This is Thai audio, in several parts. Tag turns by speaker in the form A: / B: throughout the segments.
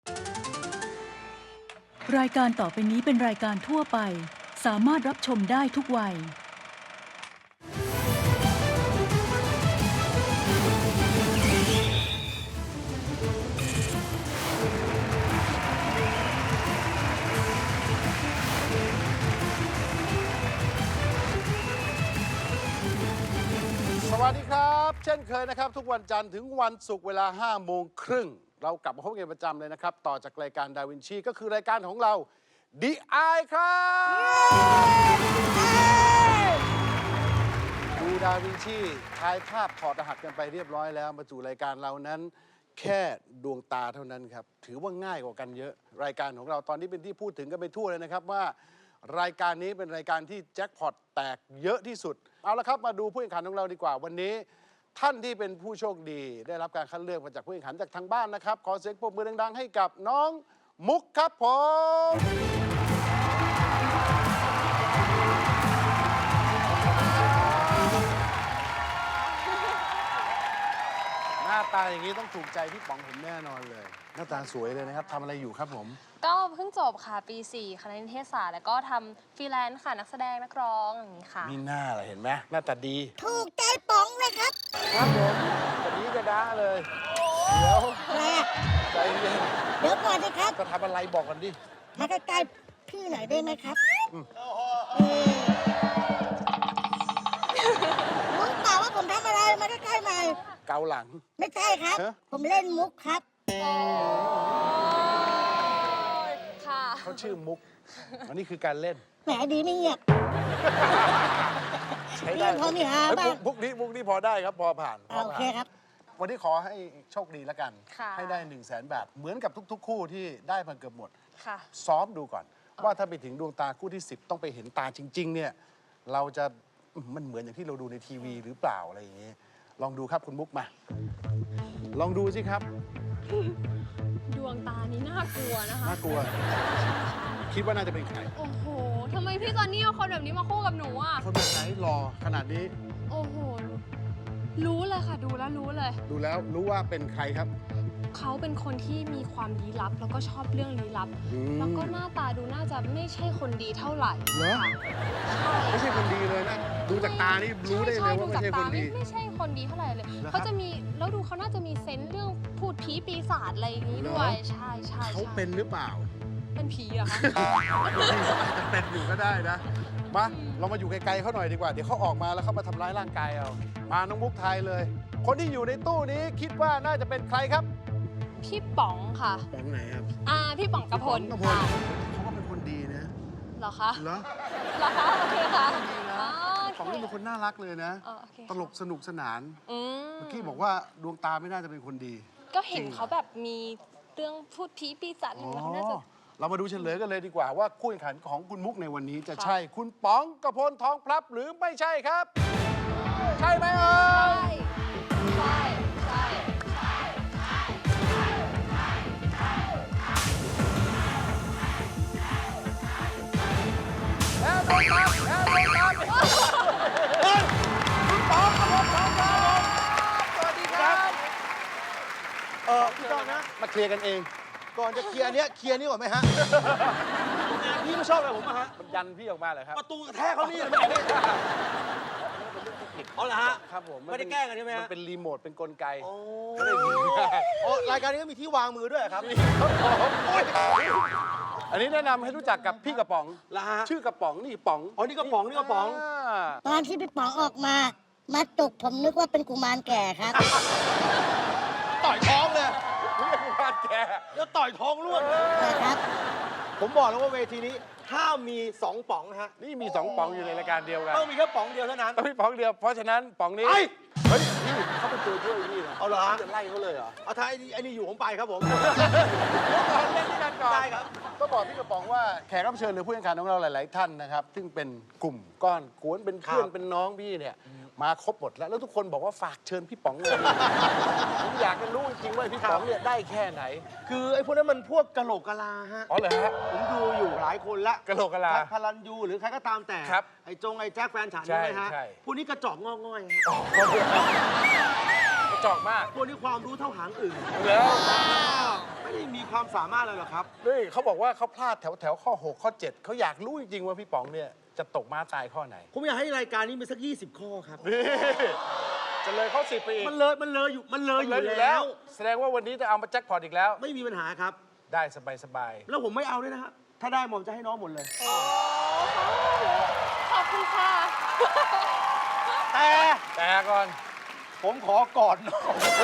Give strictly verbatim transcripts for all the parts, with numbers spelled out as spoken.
A: รายการต่อไปนี้เป็นรายการทั่วไปสามารถรับชมได้ทุกวัย
B: สวัสดีครับเช่นเคยนะครับทุกวันจันทร์ถึงวันศุกร์เวลาห้าโมงครึ่งเรากลับมาพบกันประจำเลยนะครับต่อจากรายการดาวินชีก็คือรายการของเรา ดี ไอ ครับดูดาวินชีถ่ายภาพถอดรหัสกันไปเรียบร้อยแล้วมาสู่รายการเรานั้นแค่ดวงตาเท่านั้นครับถือว่าง่ายกว่ากันเยอะรายการของเราตอนนี้เป็นที่พูดถึงกันไปทั่วเลยนะครับว่ารายการนี้เป็นรายการที่แจ็คพอตแตกเยอะที่สุดเอาละครับมาดูผู้แข่งขันของเราดีกว่าวันนี้ท่านที่เป็นผู้โชคดีได้รับการคัดเลือกมาจากผู้แข่งขันจากทางบ้านนะครับขอเสียงปรบมือดังๆให้กับน้องมุกครับผมหน้าตาอย่างนี้ต้องถูกใจพี่ป๋องผมแน่นอนเลยหน้าตาสวยเลยนะครับทำอะไรอยู่ครับผม
C: ก็เพิ่งจบค่ะปีสี่คณะนิเทศศาสตร์แล้วก็ทำฟรีแลนซ์ค่ะนักแสดงนักร้องอย่างนี้ค่ะ
B: มีหน้าอะไรเห็นไหมหน้าตาดี
D: ถูกใจป๋องเลยครับ
B: ครับผมกระดีกระด้าเลยเดี๋ยว
D: อะไรอะ
B: ใจเย็น
D: เดี๋ยวก่อนสิครับ
B: จะทำอะไรบอกกันดิ
D: มาใกล้ๆพี่หน่อยได้ไหมครับรู้เปล่าว่าผมทำอะไรมาใกล้ๆหน่อย
B: เกาหลัง
D: ไม่ใช่ครับผมเล่นมุกครับ
C: ค่ะ
B: เขาชื่อมุกอันนี้คือการเล่น
D: แหมดีไม่เงียบ
B: ใช้ได้
D: พอมีหาบ้าง
B: มุกนี้มุกนี้พอได้ครับพอผ่าน
D: โอเคครับ
B: วันนี้ขอให้โชคดีแล้วกันให้ได้หนึ่งแสนบาทเหมือนกับทุกๆคู่ที่ได้มาเกือบหมดซ้อมดูก่อนว่าถ้าไปถึงดวงตาคู่ที่สิบต้องไปเห็นตาจริงๆเนี่ยเราจะมันเหมือนอย่างที่เราดูในทีวีหรือเปล่าอะไรอย่างนี้ลองดูครับคุณมุกมาลองดูสิครับ
C: ดวงตานี้น่ากลัวนะคะ
B: น่ากลัวคิดว่าน่าจะเป็นใคร
C: โอ้โหทำไมพี่จอนนี่เอาคนแบบนี้มาคู่กับหนูอ่ะ
B: คนแบบไหนหล่อขนาดนี้
C: โอ้โหรู้เลยค่ะดูแล้วรู้เลย
B: ดูแล้วรู้ว่าเป็นใครครับ
C: เขาเป็นคนที่มีความลี้ลับแล้วก็ชอบเรื่องลี้ลับแล้วก็หน้าตาดูน่าจะไม่ใช่คนดีเท่าไหร่
B: เหรอไม่ใช่คนดีเลยนะดูจากตานี่รู้ได้เลยว่าไม่ใช่คนดี
C: ไม่ใช่คนดีเท่าไหร่เลยเขาจะมีแล้วดูเขาน่าจะมีเซนส์เรื่องพูดผีปีศาจอะไรอย่างนี้ด้วยใช่ใช่
B: เขาเป็นหรือเปล่า
C: เป็นผีเหรอคะ
B: จะเป็นอยู่ก็ได้นะมาเรามาอยู่ไกลๆเขาหน่อยดีกว่าเดี๋ยวเขาออกมาแล้วเขามาทำร้ายร่างกายเอามาน้องมุกไทยเลยคนที่อยู่ในตู้นี้คิดว่าน่าจะเป็นใครครับ
C: พี่ป๋องค่ะ
B: ป๋องไหนครับ
C: อ่าพี่ป๋องกระพล
B: เขาก็เป็นคนดีนะ
C: เหรอคะ
B: เหรอ
C: เหรอคะโอเคค่ะ
B: ป๋องนี่เป็นคนน่ารักเลยนะตลกสนุกสนานเมื่อกี้บอกว่าดวงตาไม่น่าจะเป็นคนดี
C: ก็เห็นเขาแบบมีเรื่องพูดผีปีศาจอะไรเขาน่าจะ
B: เรามาดูเฉลยกันเลยดีกว่าว่าคู่แข่งขันของคุณมุกในวันนี้จะใช่คุณป๋องกระพลทองพลับหรือไม่ใช่ครับใช่ไหมเอ่ย
C: ใช่ใช่
B: แล้วโดนตามแล้วโดนตามคุณป๋องกระพลทองพลับสวัสดีครับ
E: เออพี่ต้องนะ
B: มาเคลียร์กันเอง
E: ก่อนจะเคลียร์เนี้ยเคลียร์นี่ก่อนไหมฮะพี่ไม่ชอบอะไรผมอะฮะ
B: มันยันพี่ออกมาเลยครับ
E: ประตูกระแทกเขานี่ไม่ได้เอาละฮะ
B: ครับผม
E: ไม่ได้แกล้งกันใช่ไหมฮะ
B: มันเป็นรีโมทเป็นกลไก
E: โอ้โอ้รายการนี้ก็มีที่วางมือด้วยครับ
B: อันนี้แนะนำให้รู้จักกับพี่กระป๋อง
E: ละฮะ
B: ชื่อกระป๋องนี่ป๋อง
E: อ๋อนี่กระป๋องนี่กระป๋อง
D: ตอนที่พี่ป๋องออกมามาจุกผมนึกว่าเป็นกุมารแก่ครับ
E: ต่อยท้องเลย
B: เรียกกุมารแก่
E: แล้วต่อยท้องร่วง
D: ครับ
E: ผมบอกแล้วว่าเวทีนี้ถ้ามีสองป๋องฮะ
B: นี่มีสองป๋องอยู่ในรายการเดียวกัน
E: ต้องมีแค่ป๋องเดียวเท่านั้น
B: ต้องมีป๋องเดียวเพราะฉะนั้นป๋องนี้เฮ้ยพี่เขาเป็นตัวช่วยพี่นะ
E: เอาเหรอ
B: จะไล่เขาเลยเหรอ
E: เอาถ้าไอ้นี่ไอ้นี่อยู่ผมไปครับผม
B: เล่นด้วยกันก่อน
E: ได้ครับ
B: ก็บอกพี่กระป๋องว่าแขกรับเชิญหรือผู้แข่งขันของเราหลายๆท่านนะครับซึ่งเป็นกลุ่มก้อนกวนเป็นเพื่อนเป็นน้องพี่เนี่ยมาครบหมดแล้วแล้วทุกคนบอกว่าฝากเชิญพี่ป๋องเลยผมอยากจะรู้จริงๆว่าพี่ป๋องเนี่ยได้แค่ไหน
E: คือไอ้พวกนั้นมันพวกกะโหลกกะลาฮะ
B: อ๋อเหรอฮะ
E: ผมดูอยู่หลายคนละ
B: กะโหลกกะลา
E: พลันยูหรือใครก็ตามแต่ไอ้จงไอ้แจ็คแฟนฉันใช่ไหมฮะพวกนี้กระจอกงอง่อย
B: กระจอกมาก
E: พวกนี้ความรู้เท่าหางอื่น
B: แล้ว
E: ไม่ไม่ได้มีความสามารถเลยหรอกครับ
B: นี่เขาบอกว่าเขาพลาดแถวแถวข้อหกข้อเจ็ดเขาอยากรู้จริงๆว่าพี่ป๋องเนี่ยจะตกม้าตายข้อไหน
E: ผมอยากให้รายการนี้มีสักยี่สิบข้อครับ
B: นี่จะเลยข้อสิบไปอีก
E: มันเลยมันเลยอยู่มันเลยอ
B: เลย
E: ยู่
B: อยู่
E: แล้
B: แล้ว ว แสดงว่าวันนี้จะเอามาแจ็คพอตอีกแล้ว
E: ไม่มีปัญหาครับ
B: ได้สบาย
E: แล้วผมไม่เอาด้วยนะฮะถ้าได้ผมจะให้น้องหมดเลย
C: ขอบคุณค่ะ
E: แต่
B: ๆแต่ก่อน
E: ผมขอกอดน้อง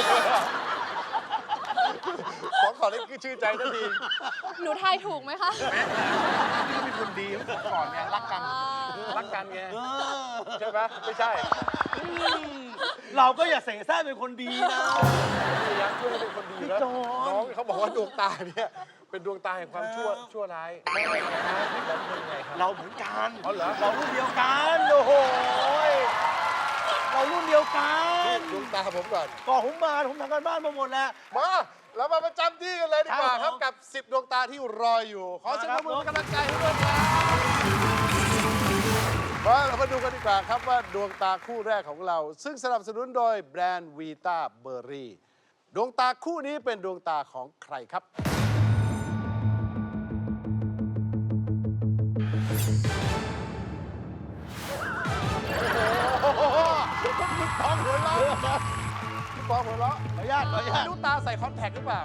B: ขอขอได้คือชื่นใจทันที
C: หนูทายถูกไหมคะ
B: นี่เป็นคนดีของก่อนไงรักกัน
C: อ่า
B: รักกันไง
E: เออ
B: ใช่ไหมไม่ใช่
E: เราก็อย่าเสแสร้งเป็นคนดีนะ
B: พยายามช่วยให้เป็นคนดีแล้ว
E: พี่จอน
B: น้องเขาบอกว่าดวงตาเนี่ยเป็นดวงตาแห่งความชั่วชั่วร้ายไม่ไม่นะพี่ป๋องเป็นไงครับ
E: เราเหมือนกัน
B: อ๋อเหรอ
E: เรารุ่นเดียวกันโอ้โหยเรารุ่นเดียวกัน
B: ดวงตาผมก่อน
E: ก่อนผมมาผมทำการบ้านมาหมดแล้ว
B: มาเรามาประจำที่กันเลยดีกว่า
E: ค
B: ค
E: รั
B: รั
E: บบ ผม
B: กับสิบดวงตาที่รออยู่ ขอเสียงปรบมือ
E: มาครับ
B: เป็นกำลังใจให้ด้วยครับมาเรามาดูกันดีกว่าครับว่าดวงตาคู่แรกของเรา ซึ่งสนับสนุนโดยแบรนด์วีตาเบอร์รี่ดวงตาคู่นี้เป็นดวงตาของใครครับ โอ้โหพี่ปองหัวเราะพี่ปองหัวเราะ
E: ขออนุญาตขออนุญาต
B: ไม่รู้ตาใส่คอนแทคหรือเปล่า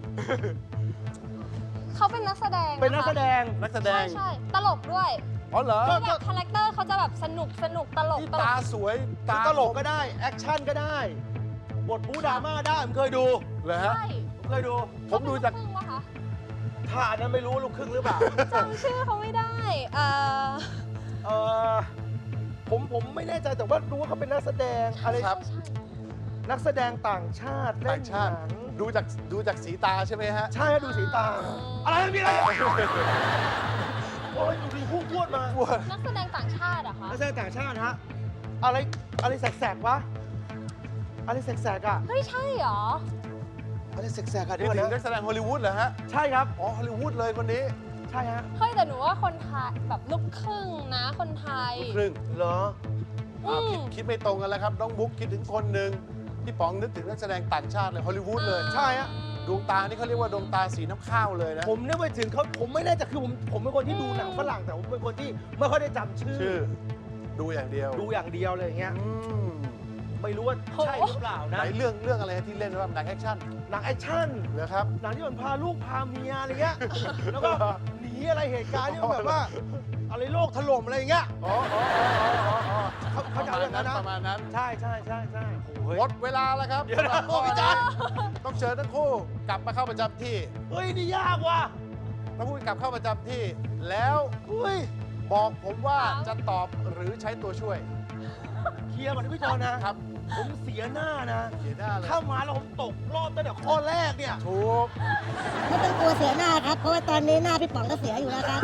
C: เขาเป็นนักแสดงะคะ
E: เป็นนักแสดง
B: นักแสด
C: ใช่
B: ง
C: ใช่ตลกด้วย
B: อ๋อเหรอ
C: คือแบบคาแรคเตอร์เขาจะแบบสนุกสนุกตลก
B: นี่
C: ตล
B: ตาก สวย
E: ตา
B: ตา
E: ตลกก็ได้ แอคชั่นก็ได้ บทบู๊ดราม่าได้ผมเคยดู
B: เหรอฮะ
C: ใช่
E: ผมเคยดู
B: ผมดูจาก
C: เขเป็นลูครึ่งปะคะ
E: ถ้าอันนั้นไม่รู้ลูกครึ่งหรือเปล่า
C: จำชื่อเขาไม่ได้เอ่อ
E: เออผมผมไม่แน่ใจแต่ว่ารู้ว่าเขาเป็นนักแสดงอะไร
B: ครับ
C: ใช่
E: นักแสดงต่างชาติเล่
B: ต่าน งชาติ
E: หนัง
B: ดูจากดูจากสีตาใช่ไหมฮะ
E: ใช่ฮะดูสีตา อะไรนะมีอะไรโอ้ยอยู่ดีพูดพูดมา
C: นักแสดงต่างชาติเหรอะคะ
E: นักแสดงต่างชาติฮะอะไรอะไรแสกๆวะอะไรแสกๆอ่ะ
C: เฮ้ยใช่เหรอ
E: อะไรแสกๆอ่ะเดี๋
B: นี่
E: ยว
B: ถึงนั
E: นะ
B: กแสดงฮอลลีวูดเหรอฮะ
E: ใช่ครับ
B: อ๋อฮอลลีวูดเลยคนนี้
E: ใช่ฮะ
C: เฮ้ยแต่หนูว่าคนไทยแบบลูกครึ่งนะคนไทย
B: ลูกครึ่ง
E: เหรอ
B: อ้าว
C: อืม
B: คิดคิดไม่ตรงกันแล้วครับ น้องบุ๊กคิดถึงคนหนึ่งพี่ป๋องนึกถึงนักแสดงต่างชาติเลยฮอลลีวูดเลย
E: ใช่ฮะ
B: ดวงตานี่เขาเรียกว่าดวงตาสีน้ำข้าวเลยนะ
E: ผมนึกไปถึงเขาผมไม่แน่ใจคือผมผมเป็นคนที่ดูหนังฝรั่งแต่ผมเป็นคนที่ไม่ค่อยได้จำชื่อ
B: ชื่อ ดูอย่างเดียว
E: ดูอย่างเดียวเลยอย่างเงี้ย
B: อืม
E: ไม่รู้ว่าใช่หรือเปล่า
B: ไหน
E: นะ
B: เรื่องเรื่องอะไรที่เล่นว่าหนังแอคชั่น
E: หนังแอคชั่น
B: เหรอครับ
E: หนังที่มันพาลูกพาเมียอะไรเงี้ย แล้วก็หนีอะไรเหตุการณ์ที่มันแบบว่า อะไรโลกถล่มอะไรอย่างเงี้ย
B: อ๋ออ๋ออ๋ออ๋ออ๋อ
E: เขาเขาจะเอาอย่างนั้นนะ
B: ประมาณนั้น
E: ใช่ใช่ใช่ใช่โอ้ย
B: หมดเวลาแล้วครับ
E: เดี๋ยวนะ
B: สำหรับข้อ
E: โอ้ย
B: นี้
E: จ๊ะ
B: ต้องเชิญทั้งคู่กลับมาเข้าประจำที่
E: เฮ้ยนี่ยากว่ะ
B: ทั้งคู่กลับเข้าประจำที่ แล้ว
E: เฮ้ย
B: บอกผมว่า
C: ครับ
B: จะตอบหรือใช้ตัวช่วย
E: เคลียร์ก่อนนะพี่จอนนะ
B: ครับ
E: ผมเสียหน้านะ
B: เขียนหน้าเลย
E: ถ้ามาแล้วผมตกรอบตั้งแต่ข้อแรกเนี่ย
B: ถูก
D: ไม่ต้องกลัวเสียหน้าครับ เพราะว่าตอนนี้หน้าพี่ป๋องก็เสียอยู่แล้วครับ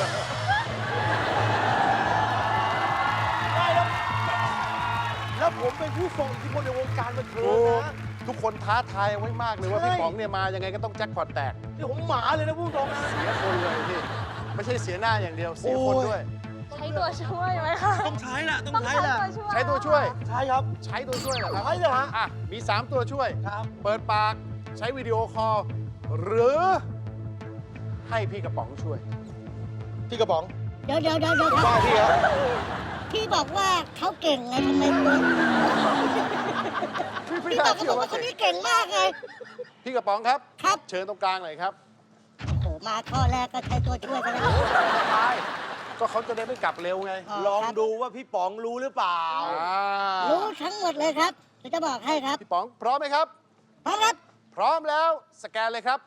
E: ได้แล้ว แล้วผมเป็นผู้ทรงอิทธิพลในวงการบันเทิ
B: ถู
E: ง
B: ก
E: นะ
B: ทุกคนท้าทายไว้มากเลยว่า
E: ใช่
B: พี่ป๋องเนี่ยมายังไงก็ต้องแจ็คพอตแตก
E: นี่ผมหมาเลยนะผู้ทรงนะ
B: เสียคนเลยพี่ไม่ใช่เสียหน้าอย่างเดียวเสียคน
E: โอ้ย
B: ด้วย
C: ใช้ตัวช่วยไหมคะ
E: ต้องใช้แหละต้อง
C: ต้อง
E: ใช้
C: ใช้
E: แหละ
C: ตัวช่วย
B: ใช้ตัวช่วย
E: ใช่ครับ
B: ใช้ตัวช่วยเหรอครับ
E: ใช้เลยฮะ
B: อ่ะมี สาม ตัวช่วย
E: ครับ
B: เปิดปากใช้วิดีโอคอลหรือให้พี่กระป๋องช่วย
E: พี่กระป๋อง
D: เดี๋ยวเดี๋ยวเดี๋ยวเดี๋ยวค
E: บ้า
D: รับ
E: พี่ครับ
D: พี่บอกว่าเขาเก่งไงทำไมตัว
B: พี่
D: พี่
B: พี่
D: บ
B: น่า
D: อกเขา
B: เชื่
D: บ
B: อ
D: อก
B: ว่า
D: ว่าคนนี้เก่งมากไง
B: พี่กระป๋องครับ
D: ครับ
B: เชิญตรงกลางหน่อยครับ
D: โอ้โหมาข้อแรกก็ใช้ตัวช่วยกันแล้ว
B: ตายก็เขาจะได้ไม่กลับเร็วไง
E: ลองดูว่าพี่ป๋องรู้หรือเปล่า
B: อ่า
D: รู้ทั้งหมดเลยครับเดี๋ยวจะบอกให้ครับ
B: พี่ป๋องพร้อมไหมครับ
D: พร้อมครับ
B: พร้อมแล้วสแกนเลยครับ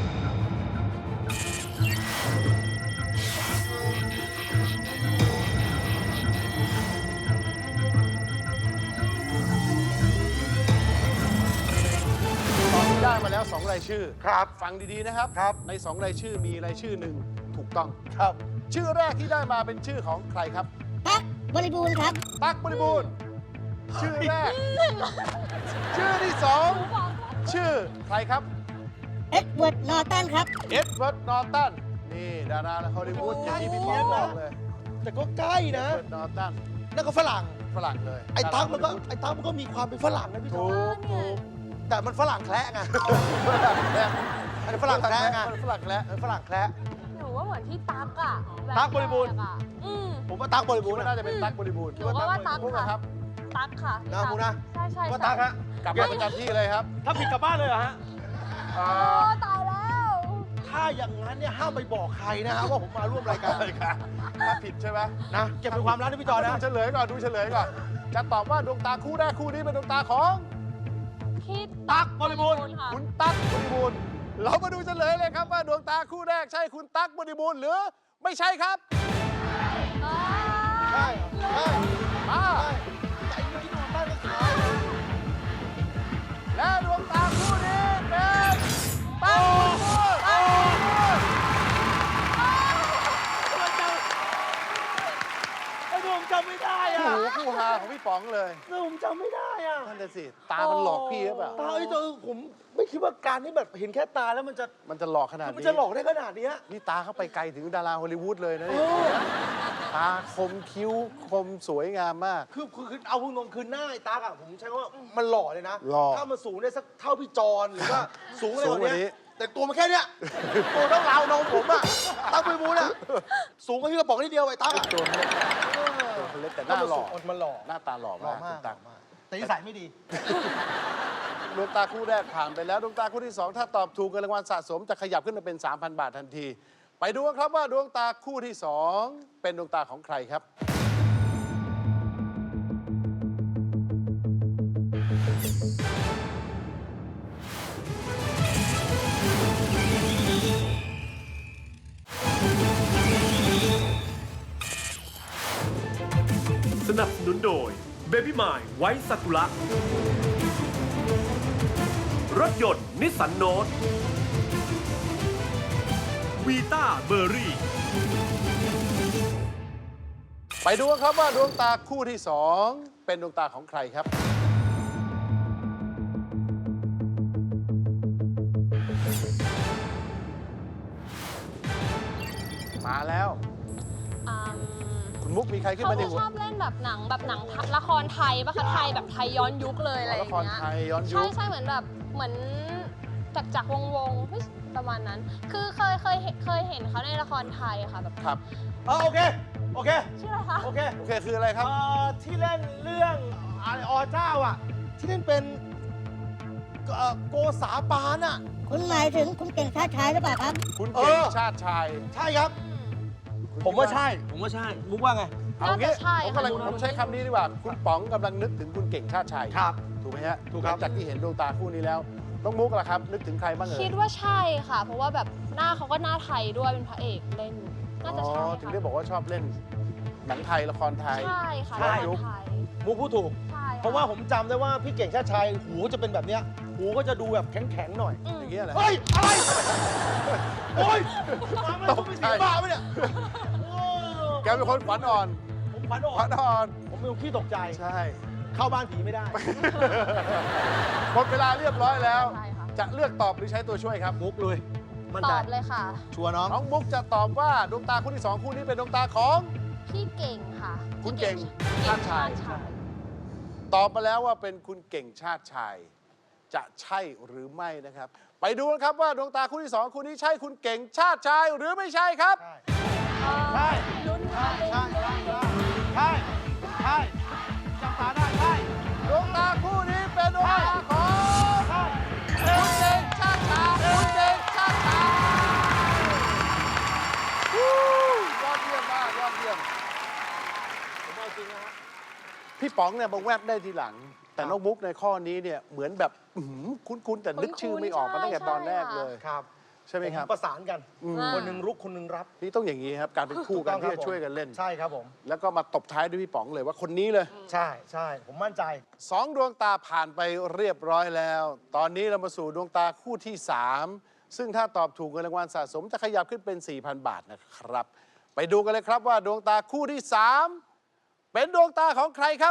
B: ตอนนี้ได้มาแล้วสองรายชื่อ
E: ครับ
B: ฟังดีๆนะครับ
E: ครับ
B: ในสองรายชื่อมีรายชื่อหนึ่งถูกต้อง
E: ครับ
B: ชื่อแรกที่ได้มาเป็นชื่อของใครครับ
D: ตั๊กบริบูรณ์ครับ
B: ตั๊กบริบูรณ์ชื่อแรก ชื่อที่สองชื่อใครครับ
D: เอ็ดเวิร์ดนอร์ตันครับ
B: เอ็ดเวิร์ดนอร์ตันนี่ดาราฮอลลีวูดอย่างที่พี่ป๋องบอกเลย
E: แต่ก็ใกล้
B: เอ็ด
E: นะ
B: เวิร์ดนอร์ตัน
E: นั่นก็ฝรั่ง
B: ฝรั่งเลย
E: ไอ้ตั๊กมันก็ไอ้ตั๊กมันก็มีความเป็นฝรั่งนะพี่
B: ถู
E: จอ
B: กถูก
E: แต่มันฝรั่งแคละไง
B: ฝรั่งแบบ
E: อันนี้ฝรั่งแคระไง
B: ฝรั่งแคระ
E: เออฝรั่งแคระ
C: หนูว่าเหมือนพี่ตั๊กอะแ
E: ตั๊กบริบูรณ์
C: แกอะอืม
E: ผมว่าตั๊กบริบู
B: คิด
E: รณ์
B: ว่า
E: นะ
B: น่าจะเป็นตั๊กบริบูรณ์
C: หนูก็ว่าตั๊ก
B: มุก
C: ค่ะ
B: นะครับ
C: ตั๊กค่ะพี่
E: นะคุณนะ
C: ใช่ใช่
E: ว่า
C: ใช่
E: ตั๊กฮะ
B: กลับมาประจำที่เลยครับ
E: ถ้าผิดกลับบ้านเลยเหรอฮะ
B: เอ่
C: โอ้
B: อ
C: ตายแล้ว
E: ถ้าอย่างนั้นเนี่ยห้ามไปบอกใครนะฮะว่าผมมาร่วมรายการ
B: ถ้าผิดใช่ไหม
E: นะเก็บเป็นความลับนะพี่จอนะ
B: ดูเฉลยก่อนดูเฉลยก่อนจะตอบว่าดวงตาคู่แรกคู่นี้เป็นดวงตาของ
C: พี่
E: ตั๊กบริบูรณ์
C: ค่ะ
B: คุณตั๊กบริบูรณ์เรามาดูเฉลยเลยครับว่าดวงตาคู่แรกใช่คุณตั๊กบริบูรณ์หรือไม่ใช่ครับ
C: อ่า
E: ใช่ใช่
B: มา
E: ใจเมื่อกี้นอนบ้านก็ขาย
B: และดวงตาคู่นี้เป็นตั๊กบริบูรณ์ตั๊กบริบูรณ์
E: ไอ้หนุ่มจำไม่ได้
B: โอ้
E: อ่ะ
B: โหคู่ฮาของพี่ป๋องเลย
E: หนุ่มจำไม่ได้อ่ะ
B: นั่นแหละสิตามันหลอกพี่หรือเปล่า
E: ตาไอ้ตัวผมไม่คิดว่าการที่แบบเห็นแค่ตาแล้วมันจะ
B: มันจะหลอกขนาด
E: มัน
B: นี้
E: จะหลอกได้ขนาดเนี้ย
B: นี่ตาเข้าไปไกลถึงดาราฮอลลีวูดเลยนะ
E: เอ
B: นี่
E: อ
B: ตาคมคิ้วคมสวยงามมาก
E: คือคือคือเอาพูดตรงคือหน้าไอ้ตาอะผมใช้คำว่ามันหล่อเลยนะ
B: หล่อ
E: ถ้ามันสูงได้สักเท่าพี่จอนหรือว่าสูงอะไร
B: สู
E: ก
B: ง
E: ว่าก
B: ว่านี้
E: นี้แต่ตัวมันแค่เนี้ยตัวเท่าราวนมผมอะตั้งไปบูนอะสูงกว่าพี่กระป๋องนิดเดียวไอ้ตาอะ
B: ตัวเล็กตัวเล็กแต่หน้าหล่อ
E: มันหล่อ
B: หน้าตาหล่อ
E: หล่อ
B: มาก
E: มา
B: คุ
E: ก
B: ณตั๊ก
E: แต่นิสัยไม่ดี
B: ดวงตาคู่แรกผ่านไปแล้วดวงตาคู่ที่สองถ้าตอบถูกเงินรางวัลสะสมจะขยับขึ้นมาเป็น สามพัน บาททันที ไปดูกันครับว่าดวงตาคู่ที่สองเป็นดวงตาของใครครับ
F: สนับสนุนโดย Baby m i ไวท์ซากุระ รถยนต์นิสสันโนตวีต้าเบอร์รี่
B: ไปดูกันครับว่าดวงตาคู่ที่สองเป็นดวงตาของใครครับ มาแล้ว
C: อืม
B: คุณมุกมีใครขึ้น
C: เขา
B: มาใน
C: จะ
B: หัว
C: ชอบเล่นแบบหนังแบบหนังละครไทยปะคะไทยแบบไทยย้อนยุคเลยอะไรอ
B: ละ
C: ย่าง
B: คร
C: เงี้ย
B: ไทยย้อนยุ
C: ใช่
B: ค
C: ใช่เหมือนแบบเหมือนจักรจักรวงศ์วงศ์เฮ้ยประมาณนั้น คือเคยเคยเห็นเคยเห็นเขาในละครไทยอะค่ะแบบ
B: ครับ
E: เออโอเค โอเค
C: ชื่ออะไรคะ
E: โอเค
B: โอเคคืออะไรครับ
E: เอ่อที่เล่นเรื่องอะไรอเจ้าอ่ะ ที่เล่นเป็นเอ่อโกษาปานอ่ะ
D: คุณหมายถึงคุณเก่งชาติชายหรือเปล่าครับ
B: คุณเก่ง
E: เออ
B: ชาติชาย
E: ใช่ครับ
B: คุณ
E: ผมว่า
B: คิด
E: ใช่ ผมว่าใช่ มุกว่าไง
B: เอางี้
C: น่าจะใช่
B: ผมกำลัง
C: ค่ะ
B: ผมใช้คำนี้ดีกว่า คุณป๋องกำลังนึกถึงคุณเก่งชาติชาย
E: ครับ
B: ถูกไหมฮะ
E: ถูกครับ
B: หลังจากที่เห็นดวงตาคู่นี้แล้วน้องมุกล่ะครับ นึกถึงใครบ้างเอ่ย
C: คิดว่าใช่ค่ะ เพราะว่าแบบหน้าเขาก็หน้าไทยด้วยเป็นพระเอกเล่น น่าจะใช่
B: อ๋อ
C: ค่ะ
B: ถึงได้บอกว่าชอบเล่นหนังไทยละครไทย
C: ใช่ค่ะ
E: ใช่
C: ละครไทย
E: มุกพูดถูก
C: ใช่ค่
E: เพราะว่าผมจำได้ว่าพี่เก่งชาติชัยหูจะเป็นแบบเนี้ยหูก็จะดูแบบแข็งๆหน่อย
C: อืม
B: อย่างเงี้ยเหรอ
E: เฮ้ย อะไร โอ้ยมาไม่
B: ต
E: ได้
B: ก
E: ไม่
B: ใจ
E: สีบ้าไหมเนี่ยโอ้
B: แกเป็นคนขวัญอ่อน
E: ผมขวัญอ่
B: ข
E: อ
B: วัน ญอ่อน
E: ผมเป็นคนขี้ตกใจ
B: ใช่
E: เข้าบ้านผีไม่ได้
B: หมดเวลาเรียบร้อยแล้ว
C: ใช่ค่ะ
B: จะเลือกตอบหรือใช้ตัวช่วยครับ
E: มุกเลย มั่น
C: ต
E: ใจ
C: อบเลยค่ะ
E: ชัวร์น้อง
B: น้องมุกจะตอบว่าดวงตาคู่ที่สองคู่นี้เป็นดวงตาของ
C: พี่เก่งค่ะ
B: คุณเก่ง
C: พี่
B: ชาติชาย
C: ชาย
B: ตอบมาแล้วว่าเป็นคุณเก่งชาติชาย จะใช่หรือไม่นะครับ ไปดูกันครับว่าดวงตาคู่ที่สองคู่นี้ใช่คุณเก่งชาติชายหรือไม่ใช่ครับ
E: ใช่
C: ลุ้นค่ะ
E: ใช่ ใช่ ใช่ ใช่จับตาได้ ใช่
B: ดวงตาคู่นี้เป็นดวงตาของ
E: ใช่
B: คุณเก่งชาติชายคุณเก่งชาติชายวู้ยอดเยี่ยมมากยอดเยี่ยม
E: ผมเอาจริงนะฮะ
B: พี่ป๋องเนี่ยมาแวบได้ทีหลัง แต่น้องมุกในข้อนี้เนี่ยเหมือนแบบอื้อหือคุ้นๆแต่นึกชื่อไม่ออกมาตั้งแต่ตอนแรกเลย
E: ครับ
B: ใช่ไหมครับ
E: ผประสานกัน
B: อืม
E: คนหนึ่งรุกคนหนึ่งรับ
B: นี่ต้องอย่างนี้ครับ การเป็นคู่กัน
E: ถู
B: ที่
E: ต้
B: จะ
E: องครับ
B: ช่วยกันเล่น
E: ใช่ครับผม
B: แล้วก็มาตบท้ายด้วยพี่ป๋องเลยว่าคนนี้เลย
E: ใช่ ใช่ ผมมั่นใจ
B: สองดวงตาผ่านไปเรียบร้อยแล้ว ตอนนี้เรามาสู่ดวงตาคู่ที่สามซึ่งถ้าตอบถูกเงินรางวัลสะสมจะขยับขึ้นเป็น สี่พัน บาทนะครับ ไปดูกันเลยครับว่าดวงตาคู่ที่สามเป็นดวงตาของใครครับ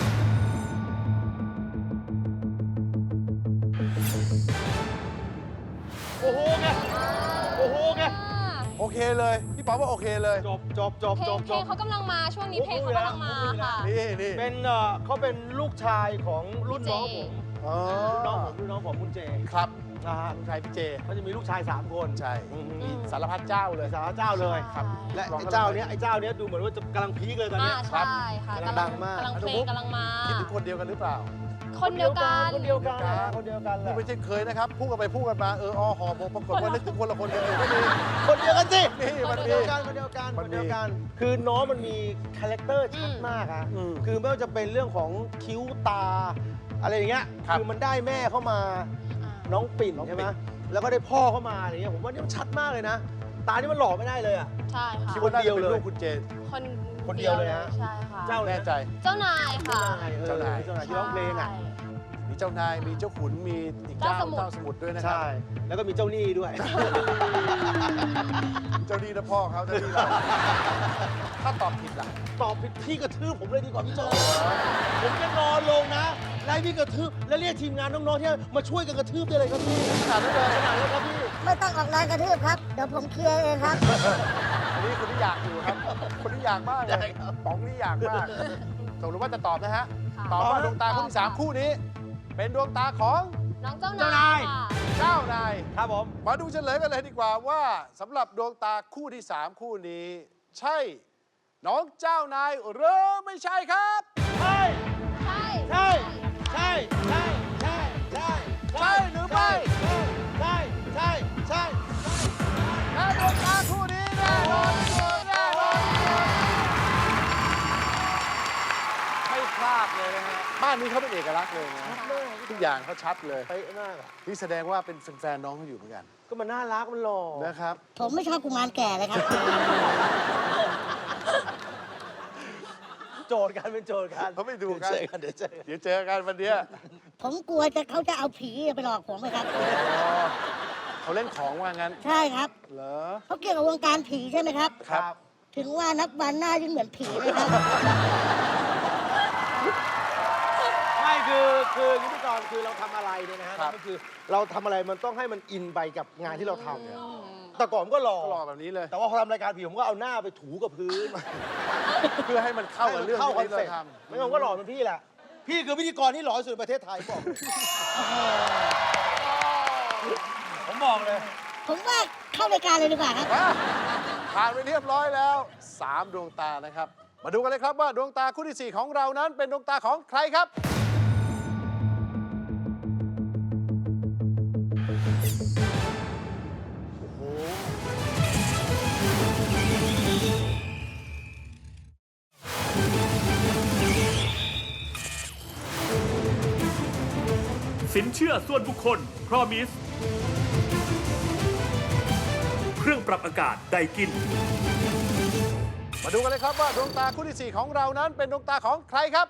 E: โอ้โหไง โอ้โหไง
B: โอเคเลย พี่ป๋องว่าโอเคเลย
E: จบจบจบ
C: เพล
E: จ
C: ง
E: บ
C: เพ
E: จ
C: ลง
E: บ
C: เขากำลังมาช่วงนี้เพลงเขากำลังมาค่ะ
B: นี่นี่
E: เป็นเอ่อเขาเป็นลูกชายของรุ่นน้องผม
B: อ๋อ
E: รุ่นน้องผมรุ่นน้องผมคุณเจ
B: ครับ
E: นะฮะ
B: ลูกชายพี่เจ
E: เขาจะมีลูกชายสามคน
B: ใช่
E: อืม
B: มีสารพัดเจ้าเลย
E: สาวเจ้าเลย
C: ครับ
E: และไอ้เจ้าเนี้ยไอ้เจ้าเนี้ยดูเหมือนว่าจะกำลังพีคเลยตอน
C: อ่า
E: เนี้ย
C: ใช่ค่ะ
E: กำลังดังมาก
C: กำลังเพลงกำลังมา
B: คิดถึงคนเดียวกันหรือเปล่า
C: คนเดียวกัน
E: คนเดียวกันนะคนเดียวกันแห
B: นี่
E: ละ
B: ไม่ใช่เคยนะครับ พูดกันไปพูดกันมา เอออหอพอปรากฏว่านึกถึงคนละคนกันอยู่ก็มี
E: คนเดียวกันสิ
B: นี่มัน
E: คน
B: มี
E: เดียวกันคนเดียวกัน
B: มั
E: คน น
B: มี
E: เดียวกัน คือน้องมันมีคาแรคเตอร์ชัดมากอะ
B: อืม
E: คือไม่ว่าจะเป็นเรื่องของคิ้วตา อะไรอย่างเงี้ย
B: ครับ
E: คือมันได้แม่เข้ามาน้องปิ่น
B: น้องปิ่น
E: ใช่ไหมแล้วก็ได้พ่อเข้ามาอะไรเงี้ยผมว่านี่มันชัดมากเลยนะ ตานี่มันหล่อไม่ได้เลยอะ
C: ใช่ค่ะ
B: คิดว่าน่าจะเป็น
E: คนเดียวเลย
B: ลูกคุณเจน
C: คน
E: คนเดียวเลยฮะ
C: ใช่ค่ะ
E: เจ้า
B: แน่ใจ
C: เจ้านายค่ะ
E: เจ้านายเออ
B: เจ้านาย
E: เจ้านายที่ร้องเพลงอะ
C: ใช่
B: มีเจ้านาย มีเจ้าขุน มีอีกเจ้า
C: เจ้าสมุทร
B: เจ้าสมุทรด้วยนะครั
E: ใช่ แล้วก็มีเจ้าหนี้ด้วย
B: เจ้าดีนะพ่อเขาเจ้าดีเราถ้าตอบผิดล่ะ
E: ตอบผิดพี่กระทืบผมเลยดีกว่าพี่โจผมจะนอนลงนะไล่พี่กระทืบแล้วเรียกทีมงานน้องๆที่มาช่วยกันกระทืบได้เลยครับพี่
B: ขนาดนั้นเลย
E: ขนาดนั้นครับพี่
D: ไม่ต้องออกแรงกระทืบครับ เดี๋ยวผมเคลียร์เองครับ
B: อันนี้คนที่อยากอยู่ครับ คนที่อยากมากเลยป๋องนี่อยากมากตกลงว่าจะตอบนะฮะ
C: ค่ะ
B: ตอบว่าดวงตาคู่ที่สามคู่นี้ เป็นดวงตาของ
C: น้องเจ้า
E: เจ้านาน
C: าย ยค่ะ
B: เจ้านาย
E: ครับผม
B: มาดูเฉลยกันเลยดีกว่าว่าสำหรับดวงตาคู่ที่สามคู่นี้ ใช่ น้องเจ้านายหรือไม่ใช่ครับ
E: ใช่
C: ใช่
E: ใช่ใช่ใช่ใช่ใช่
B: ใช่หรือไม่
E: ใช่ใช่ใช่
B: และดวงตาคู่นี้แน่นอนที่สุดแน่นอนที่สุดไม่พลาดเลยนะฮะบ้านนี้เขาเป็นเอกลักษณ์เลยนะทุกอย่างเขาชัดเลย
E: เป๊ะมากอะ
B: นี่แสดงว่าเป็นแฟนๆน้องเขาอยู่เหมือนกัน
E: ก็มันน่ารักมันหล่อ
B: นะครับ
D: ผมไม่ชอบกุมารแก่เลยครับ
E: โจทย์กันเป็นโจทย์กัน
B: เขาไม่ดูกัน
E: เดี๋ยวเจอกันเดี๋ยวเจอกัน
B: เดี๋ยวเจอกันวันเนี้ย
D: ผมกลัวจะเขาจะเอาผีไปหลอกผมไหมครับ
B: อ๋อเขาเล่นของว่างั้น
D: ใช่ครับ
B: เหรอ
D: เขาเกี่ยวกับวงการผีใช่ไหมครับ
B: ครับ
D: ถึงว่านับวันหน้ายิ่งเหมือนผีเลยครับ
E: ไม่คือคืออย่างนี้พี่กรณ์คือเราทำอะไรเนี่ยนะฮะ
B: ครับ
E: ก็คือเราทำอะไรมันต้องให้มันอินไปกับงานที่เราทำเนี่ยแต่ก่อนผมก็หล่อ
B: ก็รอแบบนี้เลย
E: แต่ว่าพอทำรายการผีผมก็เอาหน้าไปถูกับพื้น
B: เพื่อให้มันเข้ากับเรื่อง
E: เข้าคอน
B: ที่
E: เซ็
B: เรา
E: ปต์
B: ทำ
E: ไม่งั้นผมก็หล่อเป็นพี่แหละ พี่คือพิธีกรที่หล่อที่สุดในประเทศไทยบอกเลยผมบอกเลย
D: ผมว่าเข้ารายการเลยดีกว่าครับ
B: มาผ่านไปเรียบร้อยแล้วสามดวงตานะครับ มาดูกันเลยครับว่าดวงตาคู่ที่สี่ของเรานั้นเป็นดวงตาของใครครับ
F: สินเชื่อส่วนบุคคล Promise เครื่องปรับอากาศไดกิน
B: มาดูกันเลยครับว่าดวงตาคู่ที่สี่ของเรานั้นเป็นดวงตาของใครครับ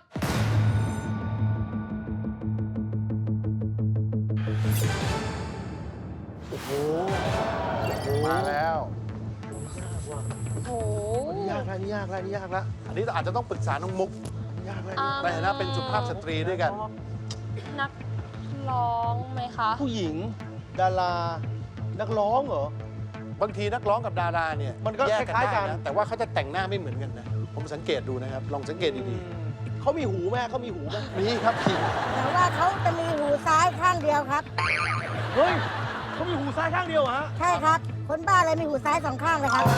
B: โอ้โห มาแล้ว
C: โอ้โห
E: นี่ยากแล้วนี่ยากแล้วนี่ยากแล้ว
B: อันนี้อาจจะต้องปรึกษาน้องมุก
E: นี่ยากแล้ว
C: อ่า
B: ในฐานะเป็นสุภาพสตรีด้วยกัน
C: นักร้องไหมคะ
E: ผู้หญิง ดารา นักร้องเหรอ
B: บางทีนักร้องกับดาราเนี่ย
E: มันก็
B: แย
E: คล้ายๆกัน
B: ได้ะแต่ว่าเขาจะแต่งหน้าไม่เหมือนกันนะ ผมสังเกตดูนะครับ ลองสังเกตดี
E: เขามีหูไหมเขามีหูไหม
B: ๆ นี่ครับพี่
D: แต่ว่าเขาจะมีหูซ้ายข้างเดียวครับ
E: เฮ้ยเขามีหูซ้ายข้างเดียวเหรอฮะ
D: ใช่ครับ คนบ้าเลยมีหูซ้ายสองข้างเลยครับ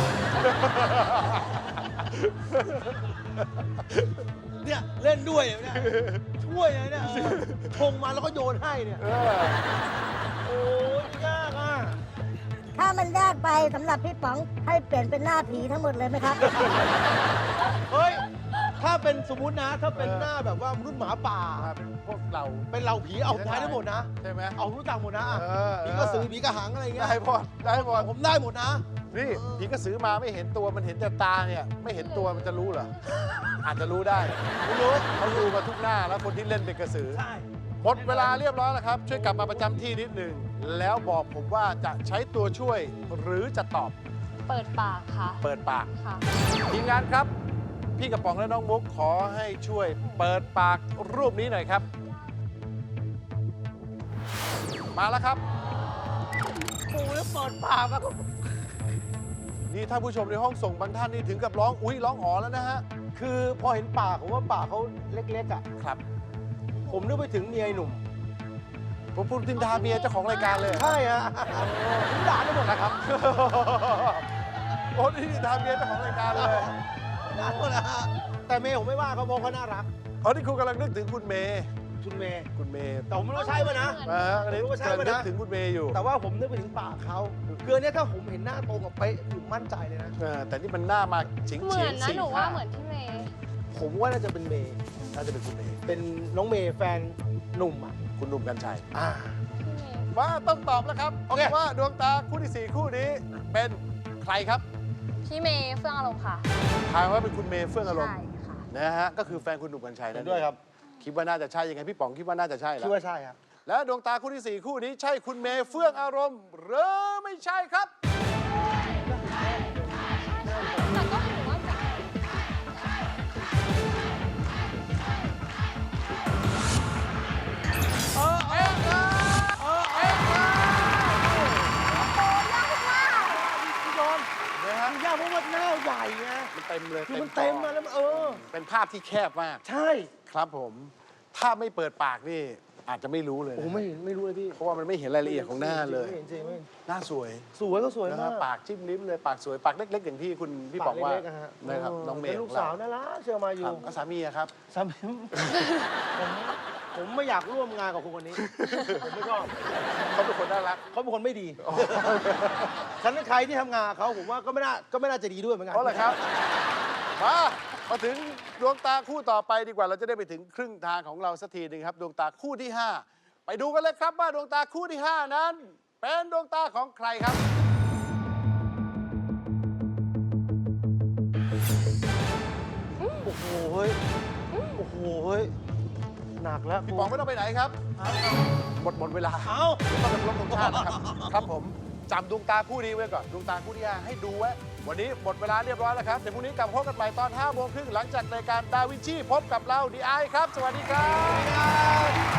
E: เนี่ยเล่นด้วยเนี่ยช่วยเลยเนี่ยเออชงมาแล้วก็โยนให้เนี่ย
B: เออ
E: โอ้ยยากอ่ะ
D: ถ้ามันยากไปสำหรับพี่ป๋องให้เปลี่ยนเป็นหน้าผีทั้งหมดเลยไหมครับ
E: เฮ้ย ถ้าเป็นสมมุตินะ ถ้าเป็นหน้าแบบว่ามนุษย์หมาป่า
B: มาเป็นพวกเรา
E: เป็นเราผีเอาท้ายได้หมดนะ
B: ใช่ไหม
E: เอารู้จักหมดนะอ่ะ
B: เออ
E: ผีกระสือผีกระหังอะไรเงี้ย
B: ได้หมดได้หมด
E: ผมได้หมดนะ
B: นี่ผีกระสือมาไม่เห็นตัวมันเห็นแต่ตาเนี่ย ไม่เห็นตัวมันจะรู้เหรอ อาจจะรู้ได้
E: ไม่รู้
B: เขาดูมาทุกหน้าแล้วคนที่เล่นเป็นกระสือ
E: ใช่
B: หมดเวลาเรียบร้อยแล้วครับ ช่วยกลับมาประจำที่นิดหนึ่งแล้วบอกผมว่าจะใช้ตัวช่วยหรือจะตอบ
C: เปิดปากค่ะ
B: เปิดปาก
C: ค่ะ
B: ทีมงานครับ พี่กระป๋องและน้องมุกขอให้ช่วยเปิดปากรูปนี้หน่อยครับ มาแล้วครับ
E: ปูแล้วเปิดปากอะ
B: นี่ถ้าผู้ชมในห้องส่งบางท่านนี่ถึงกับร้องอุ้ยร้องอ๋อแล้วนะฮะ
E: คือพอเห็นปากผมว่าปากเขาเล็กๆอ่ะ
B: ครับ
E: ผมนึกไปถึงเมียไอ้หนุ่ม
B: ผมพูดดินทาเมียเจ้าของรายการเลย
E: ใช่ฮะผมด่าได้หมดนะครับ
B: โอ้นี่ดินทาเมียเจ้าของรายการเลย
E: ด่าหมดนะฮะแต่เมย์ผมไม่ว่าเขาเพราะเขาน่ารัก
B: อ๋อนี่คุณกำลังนึกถึงคุณเมย์
E: คุณเมย์
B: คุณเมย์
E: แต่ผมไม่รู้ใช่ป่ะนะ
B: อ่าอันนี้
E: ไม่รู้ว่าใช่
B: กำลัง
E: ปะ
B: นึ
E: นะ
B: กถึงคุณเมย์อยู่
E: แต่ว่าผมนึกไปถึงปากเขาคืออนเนี้ยถ้าผมเห็นหน้าตรงกับเป๊ะผมมั่นใจเลยนะ
B: เออแต่นี่มันหน้ามาเฉียง
C: เหมื
B: เฉีย
C: อง นนะ
B: สี่
C: หนูว่า
B: ห้า
C: เหมือนพี่เมย์
E: ผมว่าน่าจะเป็นเมย์
B: น่าจะเป็นคุณเมย์
E: เป็นน้องเมย์แฟนหนุ่มอ่ะ
B: คุณหนุ่มกัญชัย
E: อ่า
C: พี่เมย์
B: ว่าต้องตอบแล้วครับ
E: โอเค
B: ว่าดวงตาคู่ที่สี่คู่นี้เป็นใครครับ
C: พี่เมย์เฟื่องอารมณ์ค่ะ
B: ทายว่าเป็นคุณเมย์เฟื่องอารมณ์
C: ใช่ค่ะ
B: นะฮะก็คือแฟนคุณหนุ่มกัญชัย
E: เห็
B: นั่
E: น
B: น
E: ด้วยครับ
B: คิดว่าน่าจะใช่ยังไงพี่ป๋องคิดว่าน่าจะใช่แล้
E: คิด
B: ว
E: ว่าใช่ครับ
B: และดวงตาคู่ที่สี่คู่นี้ใช่คุณเมย์เฟื่องอารมณ์หรือไม่ใช่ครับ
C: แต่ก็ถือว่าแบบ
B: เออเองครับเออเองครับพี่โดนนะฮะ
E: มันยากเพราะว่าหน้าใหญ่ไง
B: มันเต็มเลย
E: คือมันเต็มมาแล้วมันเออ
B: เป็นภาพที่แคบมาก
E: ใช่
B: ครับผม ถ้าไม่เปิดปากนี่อาจจะไม่รู้เลย
E: โอ้
B: นะ
E: ไม่เห็นไม่รู้เลยพี่
B: เพราะว่ามันไม่เห็นรายละเอียดของหน้าเลย
E: ไม่เห็นจริงไม่เห็น
B: หน้าสวย
E: สวยก็สวย
B: นะ
E: มา
B: ฮะ
E: ก
B: ปากจิ้มลิ้มเลยปากสวยปากเล็ก ๆ อย่างที่คุณพี่บอกว่า
E: ปกเล็กๆะฮะ
B: นะครับ
E: เ
B: น้องเมย์
E: เป็นลูกสาวน่ารักเชื่อมาอ
B: ค
E: ยู่
B: รับแล้วสามีอะครับ
E: สามีผมผมไม่อยากร่วมงานกับคนคนนี้ ผมไม่ชอบ
B: เขาเป็นคนน่ารัก
E: เขาเป็นคนไม่ดีฉันเป็นใครที่ทำงานกับเขาผมว่าก็ไม่น่าก็ไม่น่าจะดีด้วยเหมือนกัน
B: เพราะอะไรครับ มามาถึงดวงตาคู่ต่อไปดีกว่าเราจะได้ไปถึงครึ่งทางของเราสักทีหนึ่งครับ ดวงตาคู่ที่ห้าไปดูกันเลยครับว่าดวงตาคู่ที่ห้านั้น เป็นดวงตาของใครครับ
E: โอ้โหเฮ้ยโอ้โหเฮ้ยหนักแล้ว
B: พี่ป๋องไม่ต้องไปไหนครับหมดหมดเวลา
E: เอ้า
B: ต้องเป็นรบธงชาตินะครับ ครับผมจำดวงตาคู่นี้ไว้ก่อนดวงตาคู่ที่ห้าให้ดูไว้ วันนี้หมดเวลาเรียบร้อยแล้วครับเดี๋ยวพรุ่งนี้กลับมาพบกันใหม่ตอนห้าโมงครึ่งหลังจากรายการดาวินชีพบกับเราดีไอครับ สวัสดีครับ